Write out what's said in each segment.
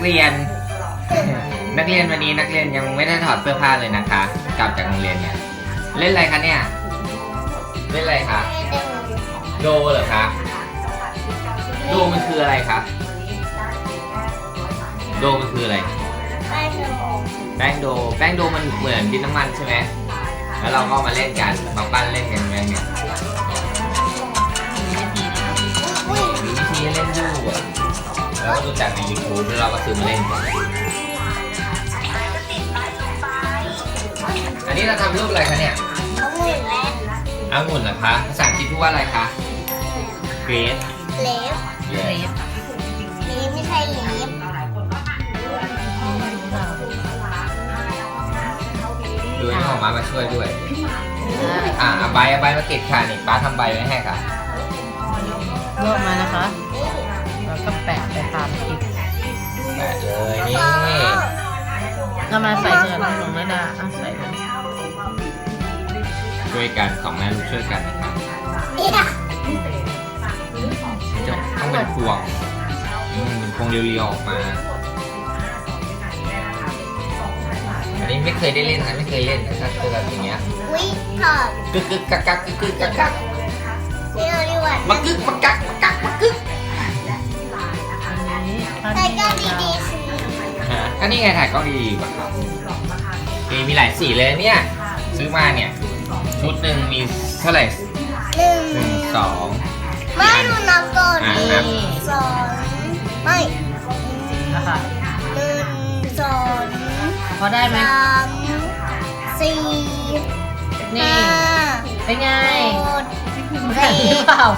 เรียน นักเรียนวันนี้นักเรียนยังไม่ได้ถอดเสื้อผ้าเลยนะคะ กลับจากโรงเรียนเนี่ยเล่นอะไรคะเนี่ยเล่นอะไรคะโดเหรอคะโดมันคืออะไรคะโดมันคืออะไรแป้งโดมันเหมือนดินน้ำมันใช่ไหมแล้วเราก็มาเล่นกันมาปั้นเล่นกันไงเนี่ยมีวิธีเล่นดูอ่ะแล้วก็ดูจากใน YouTube แล้วเราก็ซื้อมาเล่นกันอันนี้เราทำรูปอะไรคะเนี่ยองุ่นเหรอคะภาษาอังกฤษพูดว่าอะไรคะเกรดเลฟไม่ใช่เลฟดูนี่ของมาช่วยด้วยเอาใบมาติดค่ะนี่ป้าทำใบไว้ให้ค่ะรวบมานะคะแล้วก็แปะไปตามคลิปแปะเลยนี่เรามาใส่เงินของแม่ดาใส่เลยช่วยกันสองแม่ลูกช่วยกันนะครับจะต้องเป็นพวงเป็นพวงเรียวๆออกมาอันนี้ไม่เคยได้เล่นนะไม่เคยเล่นนะครับคือแบบอย่างเงี้ยกึกกักกักกึกกักกักมากึกมากึกถ่ายกล้องดีๆสิก็นี่ไงถ่ายกล้องดีๆป่ะครับมีหลายสีเลยเนี่ยซื้อมาเนี่ยชุดหนึ่งมีเท่าไหร่1 2 ไม่ดูนับก่อน2ไม่นะคะ 1 2 พอได้ไหม 3 4 นี่เป็นไง 4 หรือเปล่า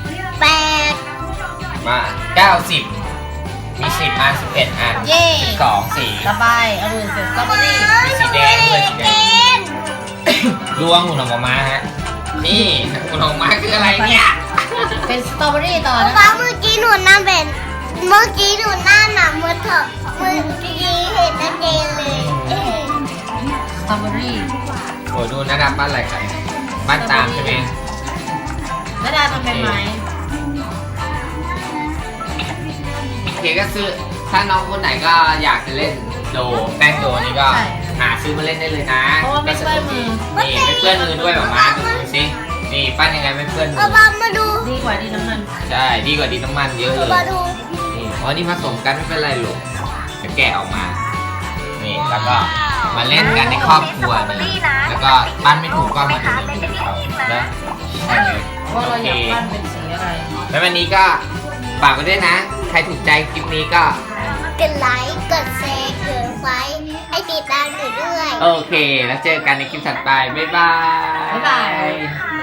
8 มา90มี10อัน11อัน12สีระบายเอาดูเสร็จสตรอเบอรี่มีสีแดงด้วยสีแดงดวงหุ่นของมาฮะนี่หุ่นของมาคืออะไรเนี่ยเป็นสตรอเบอรี่ต่อนะเมื่อกี้หนูนั่งเป็นเมื่อกี้หนูนั่งหนาเมื่อกี้เห็นนักเรียนเลยสตรอเบอรี่โอ้ดูนะดาบ้านอะไรกันบ้านตามใช่ไหมนาดาทำเป็นไหมเคก็ซื้อถ้าน้องคนไหนก็อยากจะเล่นโดแป้งโดนี่ก็หาซื้อมาเล่นได้เลยนะเพราะว่าไม่เปื้อนมือนี่ไม่เปื้อนมือด้วยหรอมาดูสินี่ปั้นยังไงไม่เปื้อนมือมาดูดีกว่าดีน้ำมันใช่ดีกว่าดีน้ำมันเยอะเลยมาดูนี่เพราะนี่ผสมกันไม่เป็นไรหรอกจะแกะออกมานี่แล้วก็มาเล่นกันในครอบครัวนี่แล้วก็ปั้นไม่ถูกก็มาดูในยูทูบแล้วว่าเราอยากปั้นเป็นสีอะไรแล้ววันนี้ก็ฝากไว้ด้วยนะใครถูกใจคลิปนี้ก็กดไลค์กดแชร์กดไลค์ให้ติดตามหนูด้วยโอเคแล้วเจอกันในคลิปถัดไปบ๊ายบาย